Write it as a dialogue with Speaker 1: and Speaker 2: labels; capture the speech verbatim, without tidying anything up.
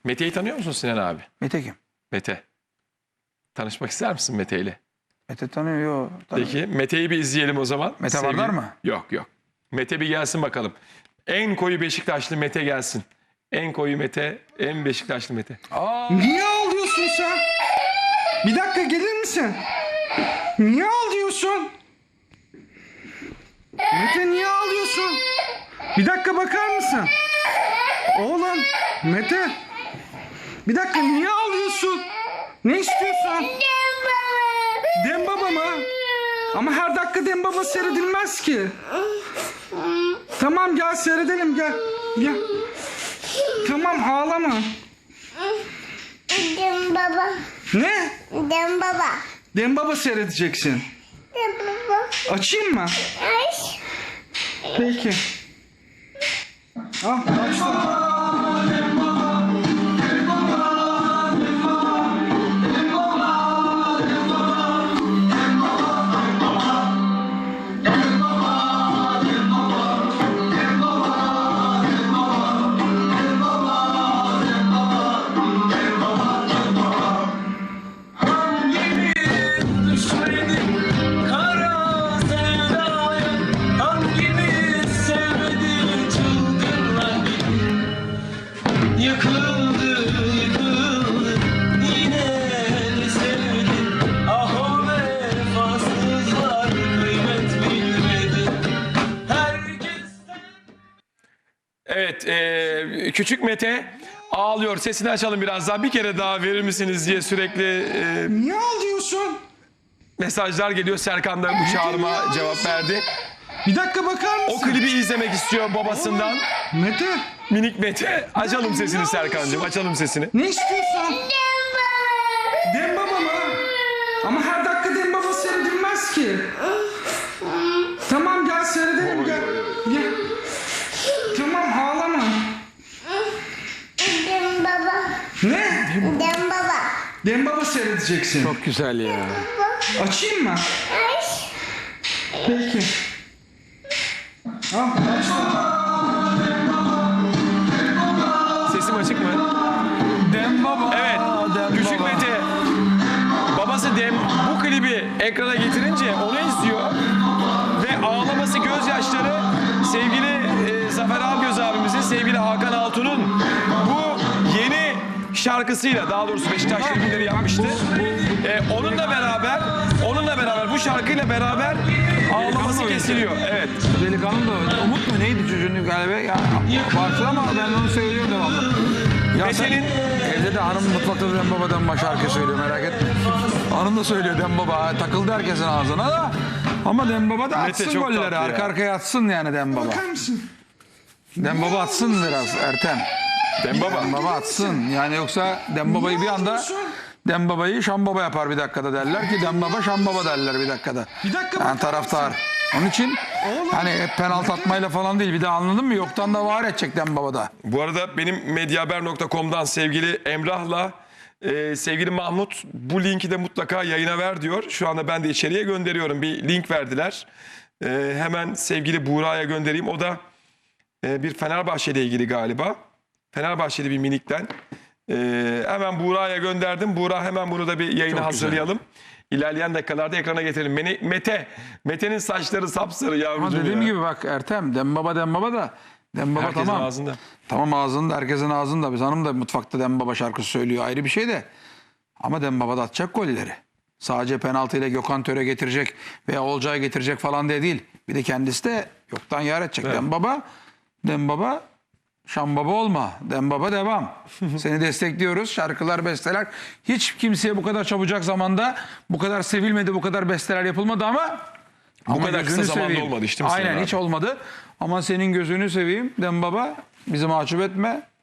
Speaker 1: Mete'yi tanıyor musun Sinan abi?
Speaker 2: Mete kim?
Speaker 1: Mete. Tanışmak ister misin Mete ile?
Speaker 2: Mete tanıyor. Yo, tanıyor.
Speaker 1: Peki Mete'yi bir izleyelim o zaman.
Speaker 2: Mete
Speaker 1: Sevgili-
Speaker 2: Vardar mı?
Speaker 1: Yok yok. Mete bir gelsin bakalım. En koyu Beşiktaşlı Mete gelsin. En koyu Mete, en Beşiktaşlı Mete.
Speaker 3: Niye ağlıyorsun sen? Bir dakika gelir misin? Niye ağlıyorsun? Mete niye ağlıyorsun? Bir dakika bakar mısın? Oğlum Mete. Bir dakika niye ağlıyorsun? Ne istiyorsun? Dem baba mı? Ama her dakika Dem baba seyredilmez ki. Tamam gel seyredelim gel. Gel. Tamam ağlama.
Speaker 4: Dem baba.
Speaker 3: Ne?
Speaker 4: Dem baba.
Speaker 3: Dem baba seyredeceksin.
Speaker 4: Dem baba.
Speaker 3: Açayım mı?
Speaker 4: Ay.
Speaker 3: Peki. Ah açtım.
Speaker 5: Kara sevdaya hangimiz sevmedi çılgınlar gibi. Yıkıldı yıkıldı yine de sevdi. Ah o vefasızlar kıymet bilmedi. Herkesten
Speaker 1: Evet, e, küçük Mete ağlıyor. Sesini açalım biraz daha. Bir kere daha verir misiniz diye sürekli e,
Speaker 3: Niye ağlıyorsun?
Speaker 1: mesajlar geliyor. Serkan da bu çağrıma cevap verdi.
Speaker 3: Bir dakika bakar mısın?
Speaker 1: O klibi izlemek istiyor babasından.
Speaker 3: Mete
Speaker 1: Minik Mete. Açalım sesini Serkan'cığım. Açalım sesini.
Speaker 3: ne istiyorsun?
Speaker 4: Dem baba.
Speaker 3: Dem baba mı? Ama her dakika Dem baba seyredilmez ki. Tamam gel seyredelim gel. Gel. Tamam ağlama.
Speaker 4: Dem baba.
Speaker 3: Ne?
Speaker 4: Dem baba.
Speaker 3: Dem baba seyredeceksin.
Speaker 2: Çok güzel ya.
Speaker 3: Açayım mı?
Speaker 4: Ay.
Speaker 3: Peki. Ah açtım.
Speaker 1: Sesim açık mı?
Speaker 2: Dem baba.
Speaker 1: Evet.
Speaker 2: Dem
Speaker 1: Küçük
Speaker 2: baba.
Speaker 1: Mete. Babası Dem bu klibi ekrana getirince onu izliyor. Ve ağlaması, gözyaşları sevgili e, Zafer Algöz abimizin, sevgili Hakan Altun'un bu yeni şarkısıyla, daha doğrusu Beşiktaş şarkıları yapmıştı. E, onunla beraber, onunla beraber bu şarkıyla beraber ağlaması kesiliyor. Evet.
Speaker 2: Delikanlı da öyle. Umut mu neydi çocuğun galiba? Ya, başla ama ben onu söylüyorum devamlı. Ya
Speaker 1: Mete'nin
Speaker 2: evde de hanım mutfakta Dem Baba Dem Baba şarkı söylüyor, merak etme. Hanım da söylüyor Dem Baba. Takıldı herkesin ağzına da. Ama Dem Baba da
Speaker 1: Mete
Speaker 2: atsın
Speaker 1: çok
Speaker 2: golleri.
Speaker 1: tatlı
Speaker 2: Arka
Speaker 1: ya.
Speaker 2: arkaya atsın yani Dem Baba.
Speaker 3: Bakar mısın?
Speaker 2: Dem Baba atsın biraz Ertem.
Speaker 1: Dem Baba.
Speaker 2: Dem Baba atsın. Yani yoksa Dem Baba'yı bir anda
Speaker 3: ağlıyorsun?
Speaker 2: Dem Baba'yı Şam Baba yapar bir dakikada derler ki Dem Baba Şam Baba derler bir dakikada.
Speaker 3: Bir dakika
Speaker 2: Yani
Speaker 3: bakar
Speaker 2: taraftar.
Speaker 3: mısın?
Speaker 2: Onun için
Speaker 3: Oğlum,
Speaker 2: hani hep penaltı atmayla falan değil. Bir de anladın mı? Yoktan da var edecek Dem Baba'da.
Speaker 1: Bu arada benim medyahaber nokta com'dan sevgili Emrah'la e, sevgili Mahmut bu linki de mutlaka yayına ver diyor. Şu anda ben de içeriye gönderiyorum. Bir link verdiler. E, hemen sevgili Buğra'ya göndereyim. O da e, bir Fenerbahçe ile ilgili galiba. Fenerbahçeli bir minikten. E, hemen Buğra'ya gönderdim. Buğra hemen bunu da bir yayına
Speaker 2: Çok
Speaker 1: hazırlayalım. İlerleyen dakikalarda ekrana getirelim. Mene- Mete, Mete'nin saçları sapsarı
Speaker 2: Ama
Speaker 1: yavrucuğum
Speaker 2: dediğim
Speaker 1: ya.
Speaker 2: gibi bak Ertem, Dem Baba Dem Baba da Dem Baba
Speaker 1: Herkesin
Speaker 2: tamam.
Speaker 1: ağzında.
Speaker 2: Tamam ağzında, herkesin ağzında. Biz hanım da mutfakta Dem Baba şarkısı söylüyor, ayrı bir şey de. Ama Dem Baba da atacak golleri. Sadece penaltıyla Gökhan Töre getirecek veya Olcay getirecek falan diye değil. Bir de kendisi de yoktan yar edecek.
Speaker 1: Evet.
Speaker 2: Dem Baba, Dem Baba, Şam Baba olma. Dem Baba devam. Seni destekliyoruz. Şarkılar, besteler. Hiç kimseye bu kadar çabucak zamanda bu kadar sevilmedi, bu kadar besteler yapılmadı ama
Speaker 1: Bu
Speaker 2: ama
Speaker 1: kadar kısa
Speaker 2: gözünü
Speaker 1: zamanda
Speaker 2: seveyim.
Speaker 1: olmadı işte Sinan
Speaker 2: Aynen
Speaker 1: abi.
Speaker 2: hiç olmadı. Ama senin gözünü seveyim Dem Baba. Bizi mahcup etme.